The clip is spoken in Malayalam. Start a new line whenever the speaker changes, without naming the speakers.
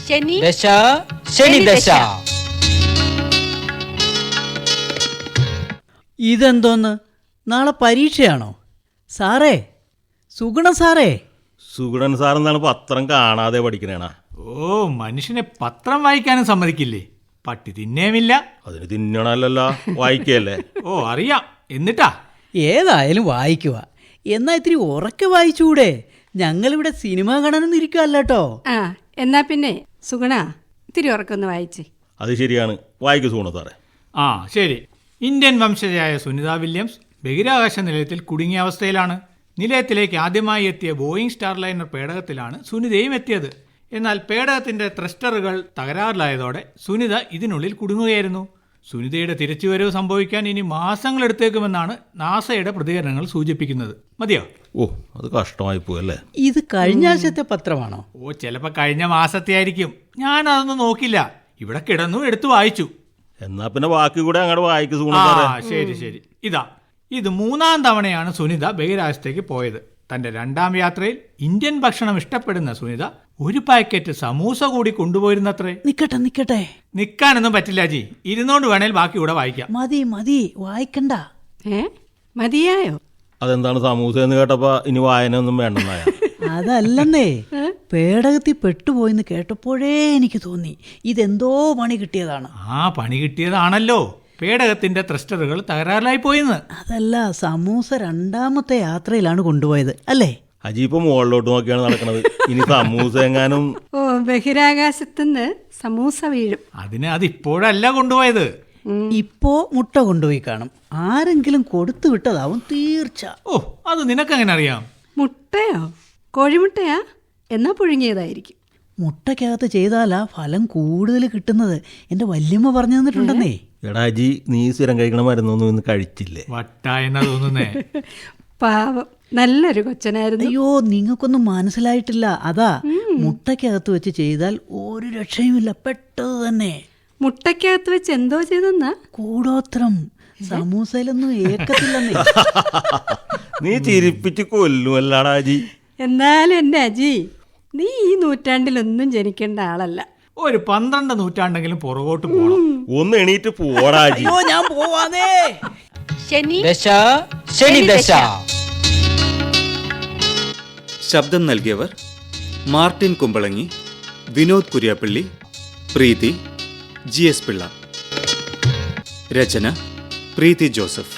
ദശ ശനി ദശ.
ഇതെന്തോന്ന്, നാളെ പരീക്ഷയാണോ? സാറേ, സുഗുണ സാറേ.
സുഗുണൻ സാറെന്നാണ് പത്രം കാണാതെ പഠിക്കണേണ.
ഓ, മനുഷ്യനെ പത്രം വായിക്കാനും സമ്മതിക്കില്ലേ? പട്ടി തിന്നേമില്ല.
അതിന് തിന്നണല്ലോ, വായിക്കല്ലേ.
ഓ, അറിയാം. എന്നിട്ടാ?
ഏതായാലും വായിക്കുക. എന്നാ ഇത്തിരി ഉറക്കെ വായിച്ചൂടെ? ഞങ്ങളിവിടെ സിനിമ കാണാനൊന്നും ഇരിക്കുവല്ലോ.
ആ, എന്നാ പിന്നെ സുഗുണ ഇത്തിരി ഉറക്കൊന്ന് വായിച്ചേ.
അത് ശരിയാണ്, വായിക്കു സുഗുണ സാറേ.
ആ, ശരി. ഇന്ത്യൻ വംശജയായ സുനിത വില്യംസ് ബഹിരാകാശ നിലയത്തിൽ കുടുങ്ങിയ അവസ്ഥയിലാണ്. നിലയത്തിലേക്ക് ആദ്യമായി എത്തിയ ബോയിങ് സ്റ്റാർലൈനർ പേടകത്തിലാണ് സുനിതയും എത്തിയത്. എന്നാൽ പേടകത്തിന്റെ ത്രസ്റ്ററുകൾ തകരാറിലായതോടെ സുനിത ഇതിനുള്ളിൽ കുടുങ്ങുകയായിരുന്നു. സുനിതയുടെ തിരിച്ചുവരവ് സംഭവിക്കാൻ ഇനി മാസങ്ങളെടുത്തേക്കുമെന്നാണ് നാസയുടെ പ്രതികരണങ്ങൾ സൂചിപ്പിക്കുന്നത്. മതിയോ?
ഓ, അത് കഷ്ടമായി പോയല്ലേ.
ഇത് കഴിഞ്ഞ ആഴ്ചത്തെ പത്രമാണോ?
ഓ, ചിലപ്പോൾ കഴിഞ്ഞ മാസത്തെ ആയിരിക്കും. ഞാനതൊന്നും നോക്കില്ല. ഇവിടെ കിടന്നു എടുത്തു വായിച്ചു.
എന്നാ പിന്നെ ബാക്കി കൂടെ അങ്ങോട്ട് വായിക്കു സുഗുണ
ആ,
സാറേ.
ശരി ശരി. ഇത് 3-ാം തവണയാണ് സുനിത ബഹിരാകാശത്തേക്ക് പോയത്. തന്റെ 2-ാം യാത്രയിൽ ഇന്ത്യൻ ഭക്ഷണം ഇഷ്ടപ്പെടുന്ന സുനിത ഒരു പാക്കറ്റ് സമൂസ കൂടി കൊണ്ടുപോയിരുന്നത്രേ.
നിക്കട്ടെ.
നിൽക്കാനൊന്നും പറ്റില്ല ജി. ഇരുന്നോണ്ട് വേണേൽ ബാക്കി കൂടെ വായിക്കാം.
മതി, വായിക്കണ്ട.
മതിയായോ?
അതെന്താണ് സമൂസ എന്ന് കേട്ടപ്പോ ഇനി വായന ഒന്നും വേണ്ടെന്നായ?
അതല്ലെന്നേ, പേടകത്തിൽ പെട്ടുപോയിന്ന് കേട്ടപ്പോഴേ എനിക്ക് തോന്നി ഇതെന്തോ പണി കിട്ടിയതാണ്.
ആ, പണി കിട്ടിയതാണല്ലോ. പേടകത്തിന്റെ ത്രസ്റ്ററുകൾ തകരാറിലായി പോയിന്ന്.
അതല്ല, സമൂസ 2-ാമത്തെ യാത്രയിലാണ് കൊണ്ടുപോയത് അല്ലേ?
അജീപ്പ് മുകളിലോട്ട് നോക്കിയാണ് നടക്കണത്. ഇനി സമൂസ എങ്ങാനും.
ഓ, ബഹിരാകാശത്തുനിന്ന് സമൂസ വീഴും.
അതിപ്പോഴല്ല കൊണ്ടുപോയത്.
ഇപ്പോ മുട്ട കൊണ്ടുപോയി കാണും. ആരെങ്കിലും കൊടുത്തു വിട്ടതാവും തീർച്ച.
ഓ, അത് നിനക്കെങ്ങനെ അറിയാം?
മുട്ടയോ? കോഴിമുട്ടയാ? എന്നാ പുഴുങ്ങിയതായിരിക്കും.
മുട്ടയ്ക്കകത്ത് ചെയ്താലാ ഫലം കൂടുതൽ കിട്ടുന്നത്. എന്റെ വല്യമ്മ പറഞ്ഞു തന്നിട്ടുണ്ടെന്നേ.
എടാ അജി, നീ സ്ഥിരം കഴിക്കണ മരുന്നൊന്നും ഇന്ന് കഴിച്ചില്ലേ?
വട്ടായെന്നാ തോന്നുന്നേ.
പാവം, നല്ലൊരു കൊച്ചനായിരുന്നു.
അയ്യോ, നിങ്ങൾക്കൊന്നും മനസ്സിലായിട്ടില്ല. അതാ, മുട്ടയ്ക്കകത്ത് വെച്ച് ചെയ്താൽ ഒരു രക്ഷയുമില്ല, പെട്ടത് തന്നെ.
മുട്ടയ്ക്കകത്ത് വെച്ച് എന്തോ ചെയ്തെന്നാ?
കൂടോത്രം. സമൂസയിലൊന്നും ഏക്കത്തില്ലെന്നേ.
നീ ചിരിപ്പിച്ച് കൊല്ലുമല്ലാടാ അജി.
എന്നാലും എന്റെ അജി, നീ ഈ നൂറ്റാണ്ടിലൊന്നും ജനിക്കേണ്ട ആളല്ല.
ഒരു 12 നൂറ്റാണ്ടെങ്കിലും പുറകോട്ട് പോകണം.
ഒന്ന് എണീറ്റ് പോടാ അജി.
അയ്യോ, ഞാൻ പോവാന്നേ.
ദശ ശനി ദശ.
ശബ്ദം നൽകിയവർ മാർട്ടിൻ കുമ്പളങ്ങി, വിനോദ് കുര്യാപ്പള്ളി, പ്രീതി, GS പിള്ള. രചന പ്രീതി ജോസഫ്.